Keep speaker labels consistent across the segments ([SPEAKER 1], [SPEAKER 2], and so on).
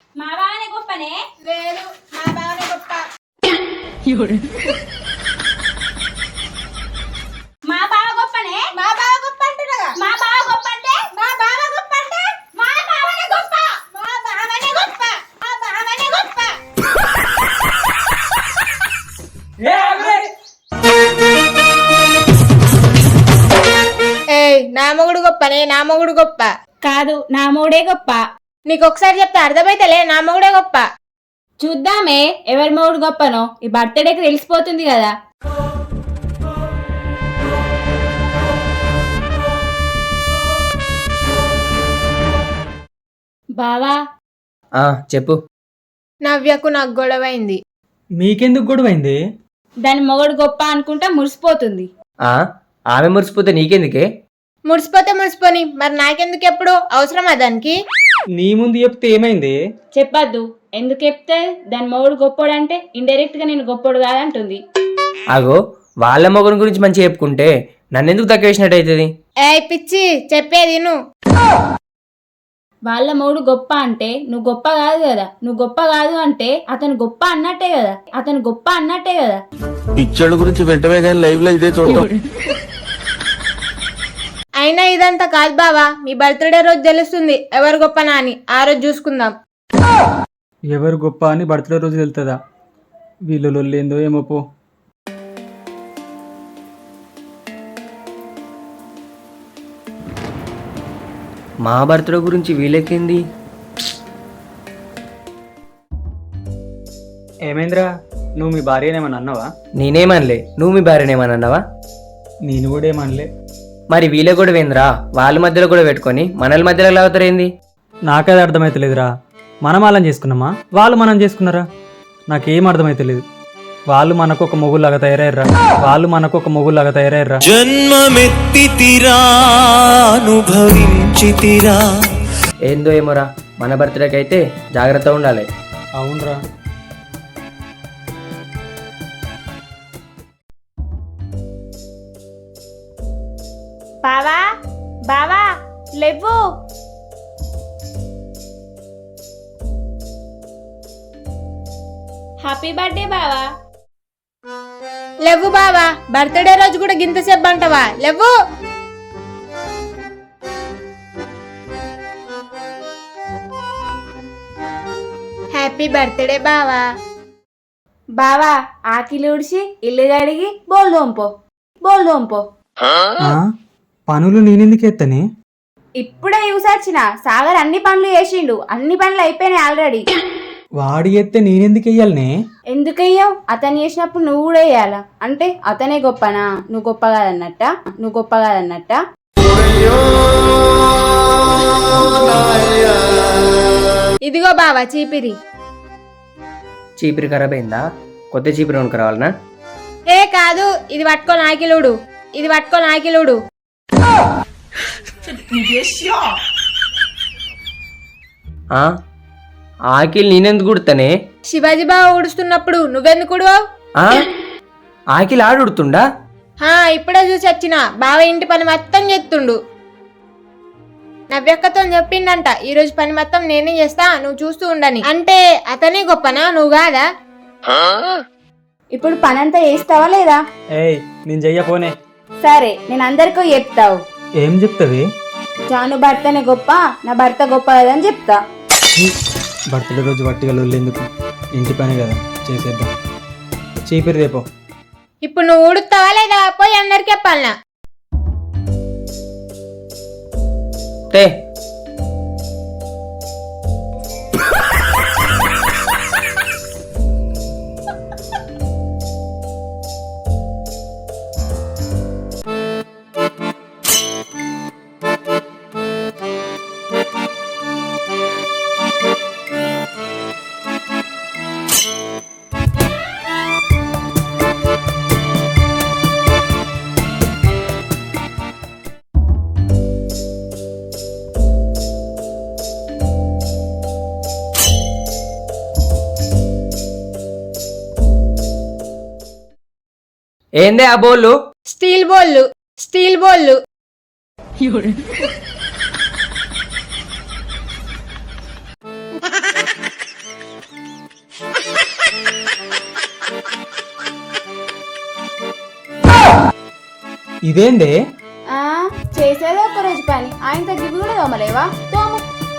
[SPEAKER 1] మా బావనే గొప్పనే.
[SPEAKER 2] లేదు, మా బావనే గొప్ప.
[SPEAKER 1] మా బావ గొప్పనే.
[SPEAKER 2] మా బావ గొప్ప అంటున్నాగా.
[SPEAKER 1] మా బావ గొప్ప అంటే
[SPEAKER 2] మా బావ గొప్ప అంటే
[SPEAKER 1] మా బావనే గొప్ప.
[SPEAKER 2] మా బావనే గొప్ప. మా బావనే గొప్ప. ఏయ్, నా మొగుడు గొప్పనే, నా మొగుడు గొప్ప
[SPEAKER 1] కాదు, నా మూడే గొప్ప.
[SPEAKER 2] నీకు ఒకసారి చెప్తే అర్థమైతలే, నా మొగుడే గొప్ప.
[SPEAKER 1] చూద్దామే ఎవరి మూడు గొప్పనో. ఈ బర్త్డేకి తెలిసిపోతుంది కదా. బావా,
[SPEAKER 3] చెప్పు.
[SPEAKER 2] నవ్యకు నాకు గొడవైంది.
[SPEAKER 4] మీకెందుకు గొడవైంది?
[SPEAKER 1] దాని మొగడు గొప్ప అనుకుంటా మురిసిపోతుంది.
[SPEAKER 3] ఆమె మురిసిపోతే నీకెందుకే?
[SPEAKER 2] మురిసిపోతే మురిసిపోని, మరి నాకెందుకు ఎప్పుడు అవసరమా దానికి?
[SPEAKER 4] నీ ముందు చెప్తే ఏమైంది?
[SPEAKER 1] చెప్పద్దు. ఎందుకు చెప్తే దాని మొగడు గొప్పోడంటే ఇండైరెక్ట్ గా నేను గొప్పోడు కాదంటుంది.
[SPEAKER 3] అగో, వాళ్ళ మొగని గురించి మంచిగా చెప్పుకుంటే నన్నెందుకు తక్కువ వేసినట్టు అవుతుంది?
[SPEAKER 2] ఏయ్ పిచ్చి, చెప్పేది నువ్వు.
[SPEAKER 1] వాళ్ళ మొగుడు గొప్ప అంటే నువ్వు గొప్ప కాదు కదా. నువ్వు గొప్ప కాదు అంటే అతను గొప్ప అన్నట్టే కదా. అతను గొప్ప అన్నట్టే కదా.
[SPEAKER 5] పిచ్చోళ్ళ గురించి వెంటనే కానీ లైవ్ లో ఇదే చూడటం.
[SPEAKER 2] అయినా ఇదంతా కాదు బావా, మీ బర్త్డే రోజు తెలుస్తుంది ఎవరు గొప్పనా అని. ఆ రోజు చూసుకుందాం.
[SPEAKER 4] ఎవరు గొప్ప అని బర్త్డే రోజు వెళ్తుందా? వీళ్ళు లొల్లేందో ఏమో పో.
[SPEAKER 3] మా బర్త్డే గురించి వీళ్ళకేంది?
[SPEAKER 4] ఏమైందిరా, నువ్వు మీ భార్యనేమని అన్నావా?
[SPEAKER 3] నేనేమనలే. నువ్వు మీ భార్యనేమని అన్నావా?
[SPEAKER 4] నేను కూడా ఏమనలే.
[SPEAKER 3] మరి వీళ్ళ కూడా వేంద్రా? వాళ్ళ మధ్యలో కూడా పెట్టుకొని మనల మధ్యలో లాగుతారేంది?
[SPEAKER 4] నాకది అర్థమైతలేదురా. మనం వాళ్ళని చేసుకున్నామా, వాళ్ళు మనం చేసుకున్నారా? నాకేం అర్థమైతలేదు. వాళ్ళు మనకు ఒక మొగులాగా తయారయ్యారా. వాళ్ళు మనకు ఒక మొగులాగా తయారయ్యారా.
[SPEAKER 6] జన్మమెత్తితిరా అనుభవించితిరా.
[SPEAKER 3] ఏందో ఏమోరా, మన బర్త్డేకి అయితే జాగ్రత్తగా ఉండాలి.
[SPEAKER 4] అవునరా.
[SPEAKER 1] బావా, బావా లేవు. హ్యాపీ బర్త్డే బావా.
[SPEAKER 2] లేవు బావా, బర్త్డే రోజు కూడా గింతసేపు అంటావా? లేవు. హ్యాపీ బర్త్డే బావా.
[SPEAKER 1] బావా, ఆకిలి ఉడిసి ఇల్లు కడిగి బోల్ దోంపో. బోల్ దోంపో.
[SPEAKER 4] పనులు నేనెందుకు ఎత్తనే?
[SPEAKER 1] ఇప్పుడే చూసొచ్చిన. సాగర్ అన్ని పనులు చేసిండు. అన్ని పనులు అయిపోయినాయి ఆల్రెడీ.
[SPEAKER 4] వాడి ఎత్తే నేనెందుకు వెయ్యాలనే?
[SPEAKER 1] ఎందుకయ్యావు? అతను చేసినప్పుడు నువ్వు కూడా వేయాలా? అంటే అతనే గొప్పనా? నువ్వు గొప్ప కాదన్నట్ట. నువ్వు గొప్ప కాదన్నట్ట.
[SPEAKER 2] ఇదిగో బావా చీపిరి.
[SPEAKER 3] చీపిరి ఖరాబ్ అయిందా? కొత్త చీపిరి కొనుక్కరావాలనా?
[SPEAKER 2] ఏ కాదు, ఇది పట్టుకో నాకిలుడు. ఇది పట్టుకో నాకిలుడు.
[SPEAKER 3] ఆకిల్ నేనెందుకు కుడతానే?
[SPEAKER 2] శివాజీ బావ ఊడుస్తున్నప్పుడు నువ్వెందుకు ఉడవావు?
[SPEAKER 3] ఆకిల్ ఆడుతుండా?
[SPEAKER 2] ఇప్పుడే చూసి వచ్చిన. బావ ఇంటి పని మొత్తం చేస్తుండు. నవ్యక్కతో చెప్పిండంట, ఈ రోజు పని మొత్తం నేనే చేస్తా, నువ్వు చూస్తూ ఉండని. అంటే అతనే గొప్పనా, నువ్వు కాదా?
[SPEAKER 1] ఇప్పుడు పనంతా చేస్తావా లేదా?
[SPEAKER 4] ఏయ్, నేను చెయ్యపోనే.
[SPEAKER 1] సరే, నేను అందరికీ చెప్తావు.
[SPEAKER 4] ఏం చెప్తావి?
[SPEAKER 1] జాను భర్తనే గొప్ప, నా భర్త గొప్ప కదని చెప్తా.
[SPEAKER 4] బర్త్డే రోజు వట్టిగా లొల్లేందుకు? ఇంటి పని కదా, చేసేద్దాం. చీపిరి రేపో.
[SPEAKER 2] ఇప్పుడు నువ్వు ఊడుతావా లేదా? పోయి అందరికి చెప్పాలనా?
[SPEAKER 3] తే ఏందే ఆ బోళ్ళు?
[SPEAKER 2] స్టీల్ బోళ్ళు. స్టీల్ బోళ్ళు.
[SPEAKER 4] ఇదేందే
[SPEAKER 1] ఆ చేసేదే ఒక్క రోజు పని ఆయన తగ్గి కూడా తోమలేవా తోము.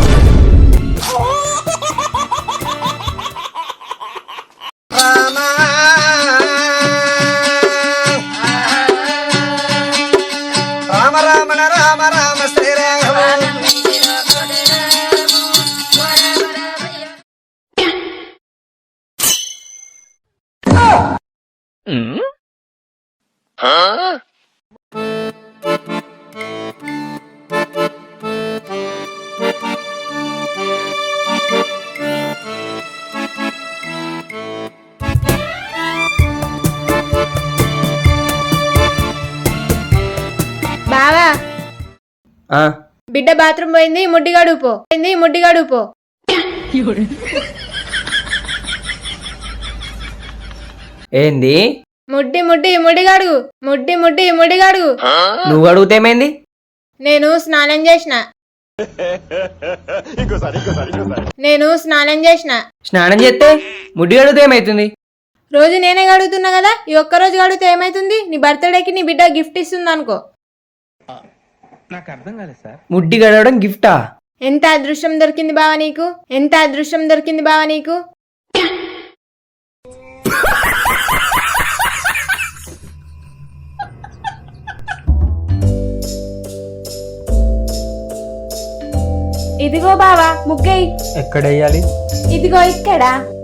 [SPEAKER 2] బావా
[SPEAKER 3] ఆ,
[SPEAKER 2] బిడ్డ బాత్రూమ్ పోయింది, ముడ్డిగాడు పో.
[SPEAKER 3] ఏంది
[SPEAKER 2] ముడ్డిగాడు.
[SPEAKER 3] నువ్వు అడుగుతేమైంది?
[SPEAKER 2] నేను స్నానం చేసిన.
[SPEAKER 3] స్నానం చేస్తే ముడ్డి అడిగితే ఏమైతుంది?
[SPEAKER 2] రోజు నేనే గడుగుతున్నా కదా, ఈ ఒక్క రోజు గడిగితే ఏమైతుంది? నీ బర్త్డేకి నీ బిడ్డ గిఫ్ట్ ఇస్తుంది అనుకో.
[SPEAKER 3] ముడ్డి గడవడం గిఫ్టా?
[SPEAKER 2] ఎంత అదృష్టం దొరికింది బావ నీకు.
[SPEAKER 1] ఇదిగో బావా ముగ్గై.
[SPEAKER 4] ఎక్కడ వేయాలి?
[SPEAKER 1] ఇదిగో ఇక్కడ.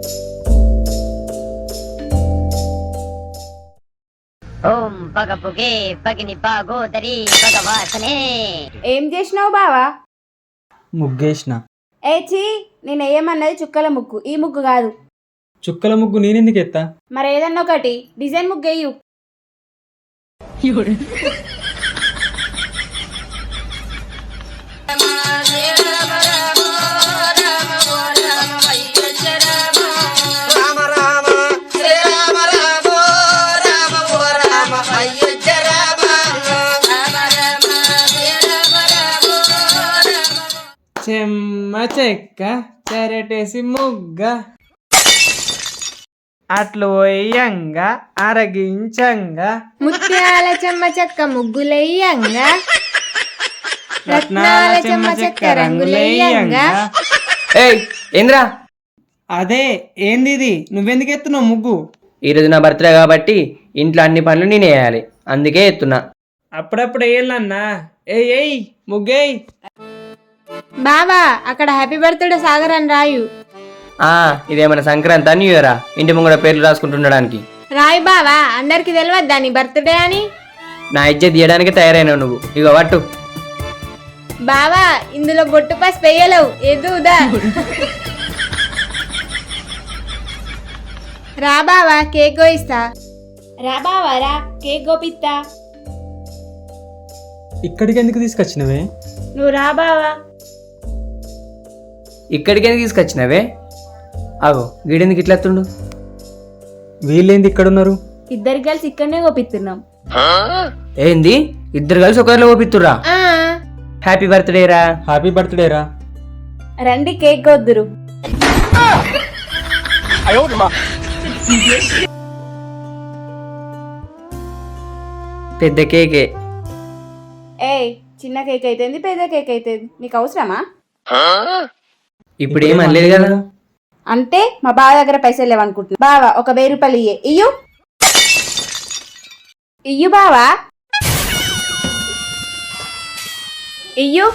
[SPEAKER 7] ఓం పగపుగే పగిని పాగోదరి భగవాసనే.
[SPEAKER 1] ఏం చేసినావు బావా?
[SPEAKER 4] ముగ్గేసిన.
[SPEAKER 1] చీ నేను ఏమన్నది చుక్కల ముగ్గు, ఈ ముగ్గు కాదు.
[SPEAKER 4] చుక్కల ముగ్గు నేనెందుకు ఎత్తా?
[SPEAKER 1] మరి ఏదన్నా ఒకటి డిజైన్ ముగ్గు వేయు.
[SPEAKER 8] చెమ్మ చెక్క చెరటేసి ముగ్గ అట్లు పోయంగా అరగించంగా
[SPEAKER 2] ముత్యాల చెమ్మ చెక్క ముగ్గులయ్యంగా రత్నాల చెమ్మ చెక్క రంగులయ్యంగా.
[SPEAKER 3] ఏయ్ ఏంద్రా?
[SPEAKER 8] అదే ఏంది ఇది, నువ్వెందుకు ఎత్తున్నావు ముగ్గు?
[SPEAKER 3] ఈరోజు నా బర్త్డే కాబట్టి ఇంట్లో అన్ని పనులు నేనే వేయాలి, అందుకే ఎత్తున్నా.
[SPEAKER 8] అప్పుడప్పుడు వేయాలన్నా. ఏయ్ ముగ్గేయ్.
[SPEAKER 2] బావా అక్కడ హ్యాపీ బర్త్డే సాగర్ అని రాయు.
[SPEAKER 3] ఇదేమైనా సంక్రాంతి న్యూ ఇయరా ఇంటి ముంగడ పేర్లు రాసుకుంటుండడానికి?
[SPEAKER 2] రాయు బావా, అందరికి తెలియద్దా నీ బర్త్డే అని?
[SPEAKER 3] నా ఇజ్జత్ తీయడానికి తయారైనావు నువ్వు. ఇక పట్టు.
[SPEAKER 2] బావా ఇందులో బొట్టు పాస్ పెయ్యలేవు, ఎదుదా. రా బావా కేక్ కోయిస్తా.
[SPEAKER 1] రా బావా రా, కేక్ గోపిత్తా.
[SPEAKER 4] ఇక్కడికి ఎందుకు తీసుకొచ్చినవే?
[SPEAKER 1] నువ్వు రా బావా.
[SPEAKER 3] ఇక్కడికి ఎందుకు తీసుకొచ్చినవే? ఆగో గీడెందుకు ఇట్లా ఎత్తుండు?
[SPEAKER 4] వీళ్ళేంది ఇక్కడ ఉన్నారు?
[SPEAKER 1] ఇద్దరు కలిసి ఇక్కడనే గోపిస్తున్నాం.
[SPEAKER 3] ఏంది ఇద్దరు కలిసి ఒకరిలో ఓపిత్తురా?
[SPEAKER 2] ఆ
[SPEAKER 3] హ్యాపీ బర్త్డే రా.
[SPEAKER 4] హ్యాపీ బర్త్డే రా.
[SPEAKER 1] రండి కేక్ కొద్దురు.
[SPEAKER 3] పెద్ద కేకే.
[SPEAKER 1] ఏయ్ చిన్న కేక్ అయితేంది పెద్ద కేక్ అయితేంది, నీకు అవసరమా?
[SPEAKER 3] ఇప్పుడు ఏం అనలేదు కదా.
[SPEAKER 1] అంటే మా బావ దగ్గర పైసలు లేవనుకుంటున్నా. బావా ఒక 1000 రూపాయలు ఇయ్యు బావా, ఇయ్యు.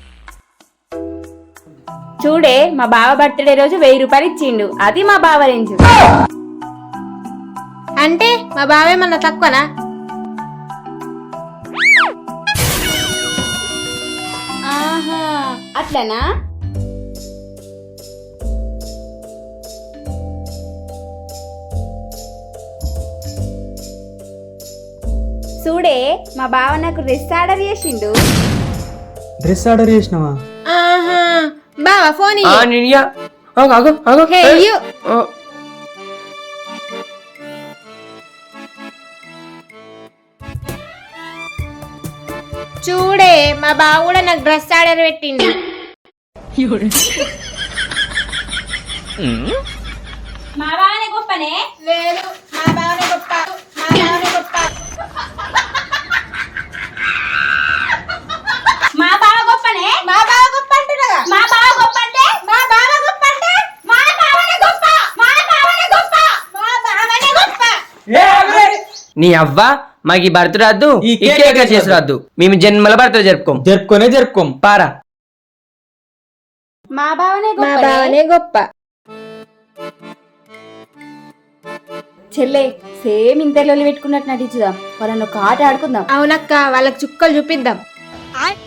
[SPEAKER 1] చూడే మా బావ బర్త్డే రోజు 1000 రూపాయలు ఇచ్చిండు, అది మా బావ రేంజ్.
[SPEAKER 2] అంటే మా బావేమన్నా తక్కువనా?
[SPEAKER 1] ఆహా అట్లనా? చూడే మా బావ నాకు డ్రెస్ ఆర్డర్ చేసిండు.
[SPEAKER 4] డ్రెస్ ఆర్డర్ చేసినావా?
[SPEAKER 2] ఆహా బావా ఫోన్
[SPEAKER 3] హే
[SPEAKER 2] చూడే మా బావ కూడా నాకు డ్రెస్ ఆర్డర్ పెట్టిండు.
[SPEAKER 1] మా బావనే గొప్పనే?
[SPEAKER 2] లేదు మా బావనే గొప్ప, మా బావనే గొప్ప.
[SPEAKER 3] నీ అవ్వ మాకు ఈ బర్త్ రాద్దు
[SPEAKER 4] ఈ
[SPEAKER 3] ఈ
[SPEAKER 4] కేక్
[SPEAKER 3] కేక్ చేసి రాద్దు మేము జన్మల బర్త్ జరుపుకోం
[SPEAKER 4] జరుపుకోం
[SPEAKER 3] పారా
[SPEAKER 1] మా బావనే
[SPEAKER 2] మా
[SPEAKER 1] గొప్ప
[SPEAKER 2] బావనే గొప్ప.
[SPEAKER 1] చెల్లె సేమ్ ఇంతలో పెట్టుకున్నట్టు నటించుదాం వాళ్ళని ఒక ఆట ఆడుకుందాం
[SPEAKER 2] అవునక్క, వాళ్ళకి చుక్కలు చూపిద్దాం.